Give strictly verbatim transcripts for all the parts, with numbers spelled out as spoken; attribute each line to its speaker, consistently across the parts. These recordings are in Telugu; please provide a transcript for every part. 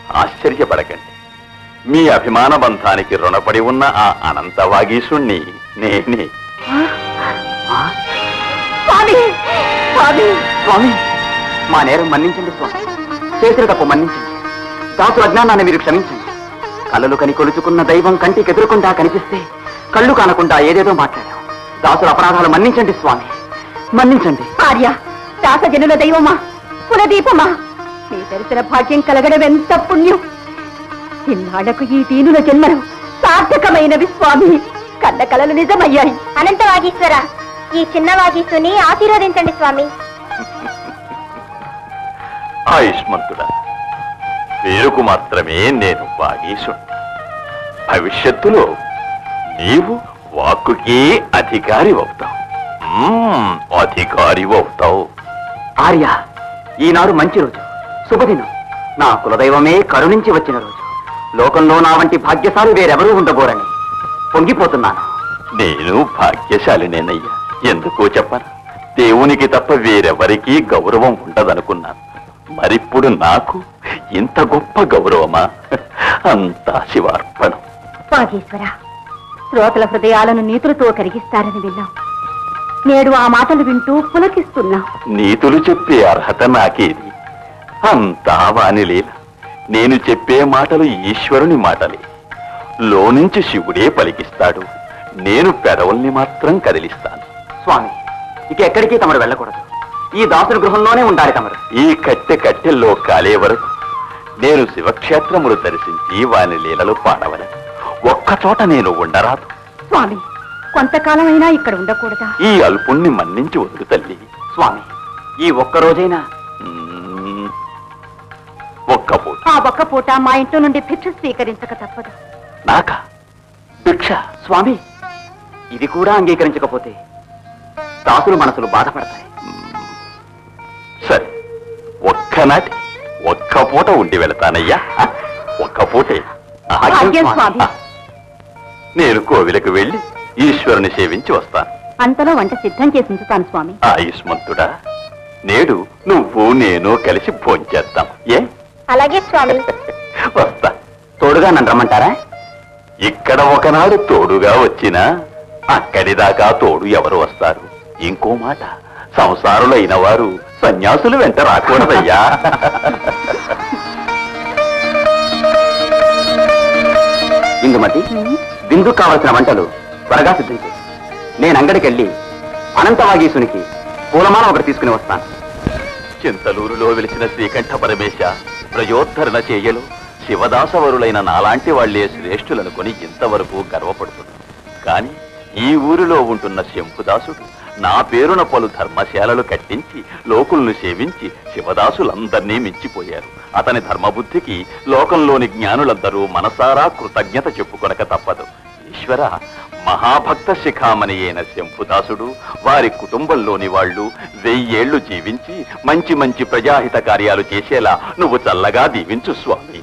Speaker 1: ఆశ్చర్యపడకండి. మీ అభిమాన బంధానికి రుణపడి ఉన్న ఆ అనంత వాగీశుణ్ణి నేనే.
Speaker 2: స్వామి, మా నేరం మన్నించండి స్వామి. చేసిన తప్పు మన్నించండి. దాసు అజ్ఞానాన్ని మీరు క్షమించండి. కళ్ళలు కని కొలుచుకున్న దైవం కంటికి ఎదురుకుండా కనిపిస్తే కళ్ళు కానకుండా ఏదేదో మాట్లాడాం. దాసుల అపరాధాలు మన్నించండి స్వామి, మన్నించండి.
Speaker 3: ఆర్య, దాసజనుల దైవమా, కులదీపమా, మీ దర్శన భాగ్యం కలగడం ఎంత పుణ్యం. ఇన్నాళ్లకు ఈ దీనుల జన్మలు సార్థకమైనవి స్వామి. కన్న కలలు నిజమయ్యాయి.
Speaker 4: అనంత వాగీశ్వర, ఈ చిన్న వాగీసుని ఆశీర్వదించండి స్వామి.
Speaker 1: ఆయుష్మంతుడా, పేరుకు మాత్రమే నేను వాగీశుణ్ణి. భవిష్యత్తులో నీవు వాక్కుకే అధికారి అవుతావు. అధికారి అవుతావు.
Speaker 2: ఆర్య, ఈనాడు మంచి రోజు, శుభదినం. నా కులదైవమే కరుణించి వచ్చిన రోజు. లోకంలో నా వంటి భాగ్యశాలి వేరెవరూ ఉండబోరని పొంగిపోతున్నాను.
Speaker 1: నేను భాగ్యశాలినేనయ్యా. ఎందుకో చెప్పను, దేవునికి తప్ప వేరెవరికీ గౌరవం ఉండదనుకున్నాను. మరిప్పుడు నాకు ఇంత గొప్ప గౌరవమా? అంతా శివార్పణం.
Speaker 3: వాగీశ్వర, శ్రోతల హృదయాలను నీతులతో కరిగిస్తారని విన్నాం. నేడు ఆ మాటలు వింటూ పులకిస్తున్నాం.
Speaker 1: నీతులు చెప్పే అర్హత నాకేది? అంతా వానిలీల. నేను చెప్పే మాటలు ఈశ్వరుని మాటలే. లోనుంచి శివుడే పలికిస్తాడు. నేను పెదవుల్ని మాత్రం కదిలిస్తాను.
Speaker 2: స్వామి, ఇక ఎక్కడికి తమరు వెళ్ళకూడదు. ఈ దాసుని గృహంలోనే ఉండాలి తమరు.
Speaker 1: ఈ కట్టె కట్టెల్లో కాలే వరకు నేను శివక్షేత్రములు దర్శించి వాని లీలలు పాడవలను. ఒక్కచోట నేను ఉండరాదు.
Speaker 3: స్వామి, కొంతకాలమైనా ఇక్కడ ఉండకూడదా?
Speaker 1: ఈ అల్పుణ్ణి మన్నించి వదులు తల్లి.
Speaker 2: స్వామి, ఈ ఒక్క రోజైనా
Speaker 1: ఒక్క పూట.
Speaker 3: ఆ ఒక్క పూట మా ఇంట్లో నుండి భిక్ష స్వీకరించక తప్పదు.
Speaker 1: నాకా భిక్ష?
Speaker 2: స్వామి, ఇది కూడా అంగీకరించకపోతే దాసులు మనసులు బాధపడతాయి.
Speaker 1: సరే, ఒక్కనాటి ఒక్క పూట ఉండి వెళతానయ్యా. ఒక్క పూటే.
Speaker 3: భాగ్యం స్వామి.
Speaker 1: నేను కోవిలకు వెళ్ళి ఈశ్వరుని సేవించి వస్తాను.
Speaker 3: అంతలో వంట సిద్ధం చేసి ఉంచుతాను స్వామి.
Speaker 1: ఆయుష్మంతుడా, నేడు నువ్వు నేను కలిసి భోంచేద్దాం. ఏ?
Speaker 4: అలాగే స్వామి.
Speaker 1: వస్తా.
Speaker 2: తోడుగా నన్ను రమ్మంటారా?
Speaker 1: ఇక్కడ ఒకనాడు తోడుగా వచ్చినా అక్కడి దాకా తోడు ఎవరు వస్తారు? ఇంకో మాట, సంసారులైన వారు సన్యాసులు వెంట రాకూడదయ్యా.
Speaker 2: ఇందుమతి, విందుకు కావలసిన వంటలు త్వరగా సిద్ధం చేసి నేను అంగడికెళ్ళి అనంతవాగీసునికి పూలమాల ఒకటి తీసుకుని వస్తాను.
Speaker 1: చింతలూరులో వెలిసిన శ్రీకంఠ పరమేశ ప్రయోద్ధరణ చేయలు శివదాసవరులైన నాలాంటి వాళ్లే శ్రేష్ఠులనుకొని ఇంతవరకు గర్వపడుతుంది. కాని ఈ ఊరిలో ఉంటున్న శంభుదాసుడు నా పేరున పలు ధర్మశాలలు కట్టించి లోకులను సేవించి శివదాసులందర్నీ మించిపోయారు. అతని ధర్మబుద్ధికి లోకంలోని జ్ఞానులందరూ మనసారా కృతజ్ఞత చెప్పుకొనక తప్పదు. ఈశ్వర, మహాభక్త శిఖామణి అయిన శంభుదాసుడు, వారి కుటుంబంలోని వాళ్ళు వెయ్యేళ్లు జీవించి మంచి మంచి ప్రజాహిత కార్యాలు చేసేలా నువ్వు చల్లగా దీవించు స్వామి.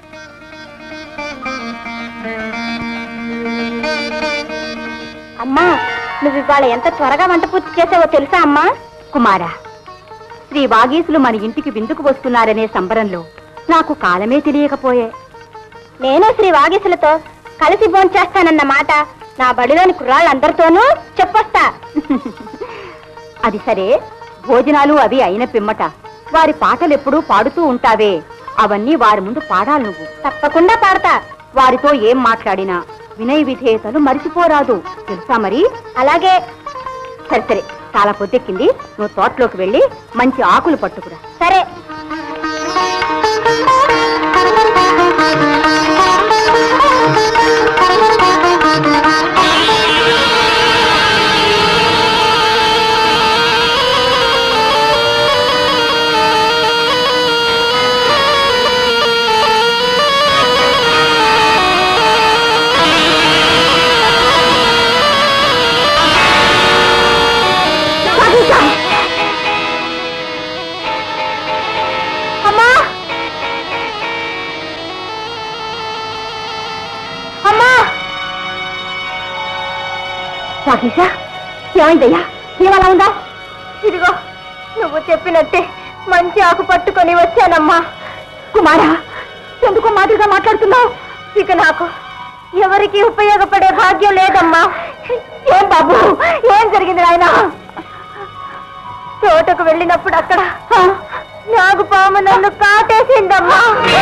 Speaker 4: అమ్మా, నువ్వు ఇవాళ ఎంత త్వరగా వంట పూర్తి చేసావో తెలుసా అమ్మా?
Speaker 3: కుమారా, శ్రీ వాగీసులు మన ఇంటికి విందుకు వస్తున్నారనే సంబరంలో నాకు కాలమే తెలియకపోయే.
Speaker 4: నేను శ్రీ వాగీసులతో కలిసి భోంచేస్తానన్న మాట నా బడిలోని కుర్రాళ్ళందరితోనూ చెప్పొస్తా.
Speaker 3: అది సరే, భోజనాలు అవి అయిన పిమ్మట వారి పాటలు ఎప్పుడూ పాడుతూ ఉంటావే, అవన్నీ వారి ముందు పాడాలి నువ్వు.
Speaker 4: తప్పకుండా పాడతా.
Speaker 3: వారితో ఏం మాట్లాడినా వినయ విధేయతలు మరిచిపోరాదు, తెలుసా మరి?
Speaker 4: అలాగే.
Speaker 3: సరే సరే, చాలా పొద్దెక్కింది, నువ్వు తోటలోకి వెళ్ళి మంచి ఆకులు పట్టుకురా.
Speaker 4: సరే.
Speaker 3: వాగీశా, ఏమైందయ్యా? ఏమలా ఉందా?
Speaker 4: ఇదిగో, నువ్వు చెప్పినట్టే మంచి ఆకు పట్టుకొని వచ్చానమ్మా.
Speaker 3: కుమారా, ఎందుకో మాదిరిగా మాట్లాడుతున్నావు?
Speaker 4: ఇక నాకు ఎవరికి ఉపయోగపడే భాగ్యం లేదమ్మా.
Speaker 3: ఏం బాబు, ఏం జరిగింది నాయనా?
Speaker 4: తోటకు వెళ్ళినప్పుడు అక్కడ నాగుపాము నన్ను కాటేసిందమ్మా.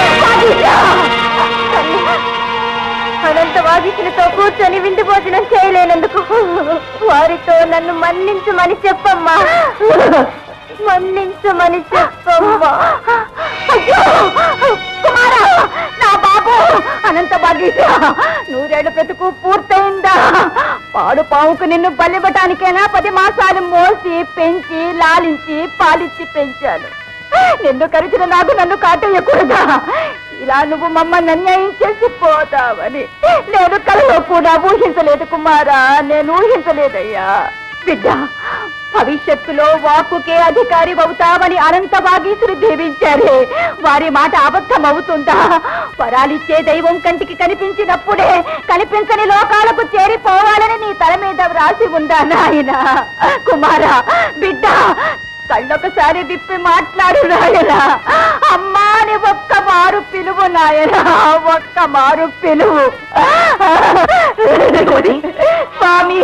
Speaker 4: అనంత వాగిసులతో కూర్చొని విందు భోజనం చేయలేనందుకు వారితో నన్ను మన్నించమని చెప్పమ్మా. మన్నించమని చెప్పమ్మా.
Speaker 3: అయ్యో కుమారా, నా బాబు అనంత భాగీశ, నూరేళ్ల బ్రతుకు పూర్తయిందా? పాడు పావుకు నిన్ను బలివ్వటానికైనా పది మాసాలు మోసి పెంచి లాలించి పాలించి పెంచాను. నిన్ను కరిచిన నాకు నన్ను కాటేయకూడదా? ఇలా నువ్వు మమ్మల్ని అన్యాయం చేసి పోతావని నేను కలలో కూడా ఊహించలేదు కుమారా, నేను ఊహించలేదయ్యా. బిడ్డ, భవిష్యత్తులో వాక్కుకే అధికారి అవుతావని అనంత భాగీసులు దీవించారే, వారి మాట అబద్ధం అవుతుందా? వరాలిచ్చే దైవం కంటికి కనిపించినప్పుడే కనిపించని లోకాలకు చేరిపోవాలని నీ తల మీద వ్రాసి ఉందా నాయన? కుమారా, బిడ్డ, కళ్ళొకసారి విప్పి మాట్లాడు నాయనా. అమ్మా అని ఒక్క మారు పిలువు నాయనా, ఒక్క మారు పిలువు. స్వామి,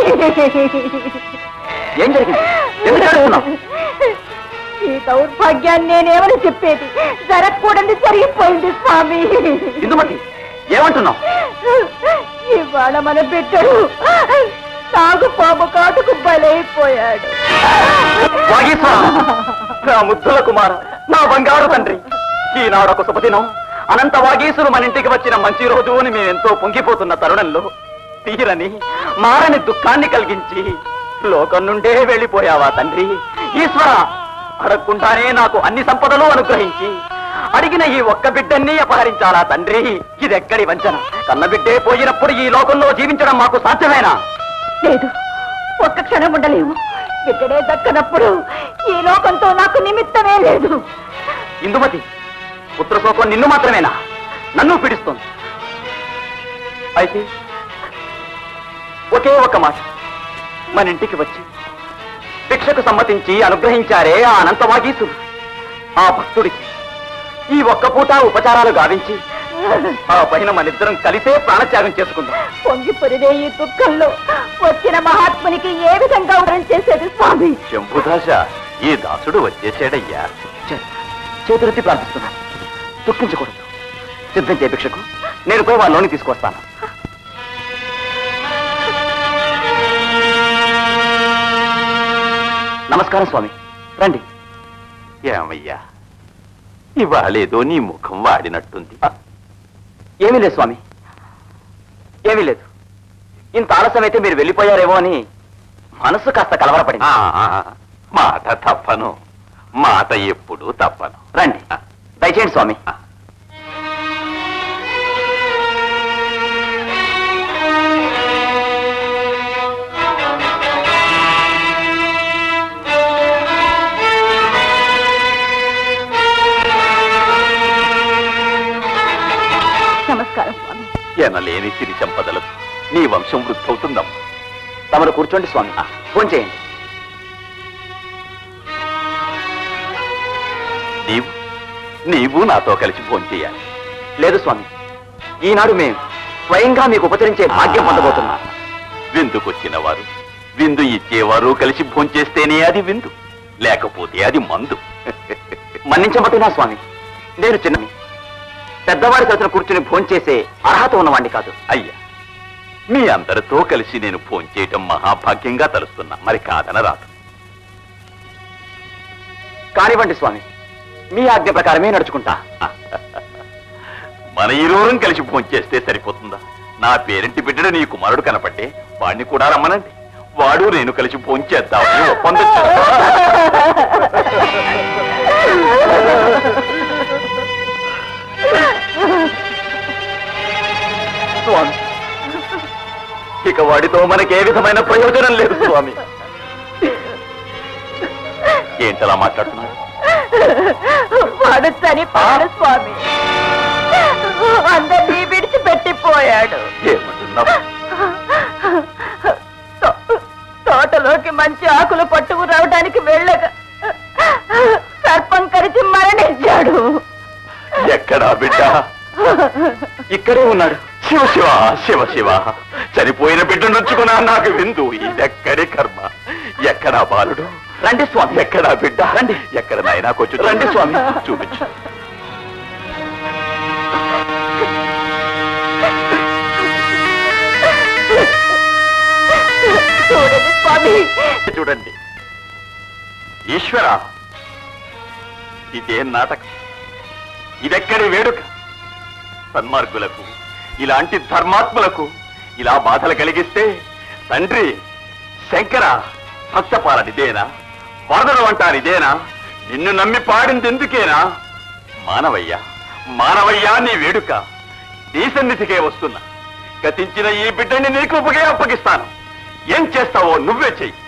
Speaker 2: ఏం జరిగింది? ఎందుకు ఏడుస్తున్నావు?
Speaker 3: ఈ దౌర్భాగ్యాన్ని నేనేమని చెప్పేది? జరగకూడదు జరిగిపోయింది స్వామి.
Speaker 2: ఇందుమతి, ఏమంటున్నావు?
Speaker 3: ఇవాళ మన బిడ్డడు నాగు పాము కాటుకు బలైపోయాడు.
Speaker 2: నా ముద్దుల కుమార, నా బంగారు తండ్రి, ఈనాడొక శుభదినం. అనంత వాగీసులు మన ఇంటికి వచ్చిన మంచి రోజు అని మేమెంతో పొంగిపోతున్న తరుణంలో తీరని మారని దుఃఖాన్ని కలిగించి లోకం నుండే వెళ్ళిపోయావా తండ్రి? ఈశ్వర, అడగకుండానే నాకు అన్ని సంపదలు అనుగ్రహించి అడిగిన ఈ ఒక్క బిడ్డన్ని అపహరించాలా తండ్రి? ఇదెక్కడి వంచన? కన్న బిడ్డే పోయినప్పుడు ఈ లోకంలో జీవించడం మాకు సాధ్యమేనా?
Speaker 3: లేదు, ఒక్క క్షణం ఉండలేము. బిడ్డడే దక్కనప్పుడు ఈ లోకంతో నాకు నిమిత్తమే లేదు.
Speaker 2: ఇందుమతి, పుత్రశోకం నిన్ను మాత్రమేనా? నన్ను పీడిస్తోంది. అయితే ఒకే ఒక్క మాట, మన ఇంటికి వచ్చి భిక్షకు సమ్మతించి అనుగ్రహించారే ఆ అనంత వాగీసులు, ఆ భక్తుడికి ఈ ఒక్క పూట ఉపచారాలు గావించి ఆ పైన మనిద్దరం కలిసే ప్రాణత్యాగం చేసుకుందాం.
Speaker 3: పొంగి పొరిదే ఈ దుఃఖంలో వచ్చిన మహాత్మునికి ఏ విధంగా వరం చేసేది స్వామి?
Speaker 1: శంభుదాస, ఈ దాసుడు వచ్చేసాడయ్యా.
Speaker 2: చేతులెత్తి ప్రార్థిస్తున్నాను, దుఃఖించకూడదు. సిద్ధం చే భిక్షకు, నేను పోయి వాళ్ళలోని తీసుకొస్తాను. నమస్కారం స్వామి, రండి.
Speaker 1: ఏమయ్యా, ఇవాళేదో నీ ముఖం వాడినట్టుంది.
Speaker 2: ఏమీ లేదు స్వామి, ఏమీ లేదు. ఇంత ఆలస్యం అయితే మీరు వెళ్ళిపోయారేమో అని మనసు కాస్త కలవరపడింది.
Speaker 1: ఆ, మాట తప్పను, మాట ఎప్పుడూ తప్పను.
Speaker 2: రండి, దయచేయండి స్వామి.
Speaker 3: నమస్కారం స్వామి.
Speaker 1: ఎనలేని సిరి సంపదలకు నీ వంశం వృద్ధవుతుందమ్మా.
Speaker 2: తమరు కూర్చోండి స్వామి, ఫోన్ చేయండి.
Speaker 1: నీవు నీవు నాతో కలిసి ఫోన్ చేయాలి.
Speaker 2: లేదు స్వామి, ఈనాడు మేము స్వయంగా మీకు ఉపచరించే భాగ్యం పొందబోతున్నా.
Speaker 1: విందుకొచ్చిన వారు, విందు ఇచ్చేవారు కలిసి భోంచేస్తేనే అది విందు, లేకపోతే అది మందు.
Speaker 2: మన్నించబట్టునా స్వామి, నేను చిన్నని పెద్దవారి సరసన కూర్చుని భోంచేసే అర్హత ఉన్నవాణ్ణి కాదు.
Speaker 1: అయ్యా, మీ అందరితో కలిసి నేను ఫోన్ చేయటం మహాభాగ్యంగా తలుస్తున్నా, మరి కాదన రాదు.
Speaker 2: కానివ్వండి స్వామి, మీ ఆజ్ఞ ప్రకారమే నడుచుకుంటా.
Speaker 1: మన ఇరువురం కలిసి ఫోన్ చేస్తే సరిపోతుందా? నా పేరింటి బిడ్డడు నీ కుమారుడు కనపట్టే వాడిని కూడా రమ్మనండి, వాడు నేను కలిసి ఫోన్ చేద్దామని ఒప్పందం
Speaker 2: స్వామి, ఇక వాడితో మనకి ఏ విధమైన ప్రయోజనం లేదు స్వామి.
Speaker 1: ఏంటలా మాట్లాడుతున్నారు?
Speaker 3: వాడు చనిపోయాడు స్వామి, అందరినీ విడిచిపెట్టిపోయాడు.
Speaker 1: ఏమంటున్నావు?
Speaker 3: తోటలోకి మంచి ఆకులు పట్టుకు రావడానికి వెళ్ళగా సర్పం కరిచి మరణించాడు.
Speaker 1: ఎక్కడా బిడ్డ?
Speaker 2: ఇక్కడే ఉన్నాడు.
Speaker 1: శివ శివ శివ శివ చనిపోయిన బిడ్డ నుంచుకున్నా నాకు విందు. ఇదెక్కడి కర్మ? ఎక్కడా బాలుడు?
Speaker 2: రండి స్వామి.
Speaker 1: ఎక్కడా బిడ్డ?
Speaker 2: రండి.
Speaker 1: ఎక్కడ నాయనా కొంచెం
Speaker 2: రండి స్వామి.
Speaker 1: చూపించు.
Speaker 3: చూడండి స్వామి.
Speaker 1: చూడండి ఈశ్వర, ఇదేం నాటకం? ఇదెక్కడి వేడుక? సన్మార్గులకు, ఇలాంటి ధర్మాత్ములకు ఇలా బాధలు కలిగిస్తే తండ్రి శంకర సత్యపాలనిదేనా? వరదలు అంటానిదేనా? నిన్ను నమ్మి పాడింది ఎందుకేనా? మానవయ్య మానవయ్యా, నీ వేడుక నీ సన్నిధికే వస్తున్నా. గతించిన ఈ బిడ్డని నీకు ఉపగే అప్పగిస్తాను. ఏం చేస్తావో నువ్వే చెయ్యి.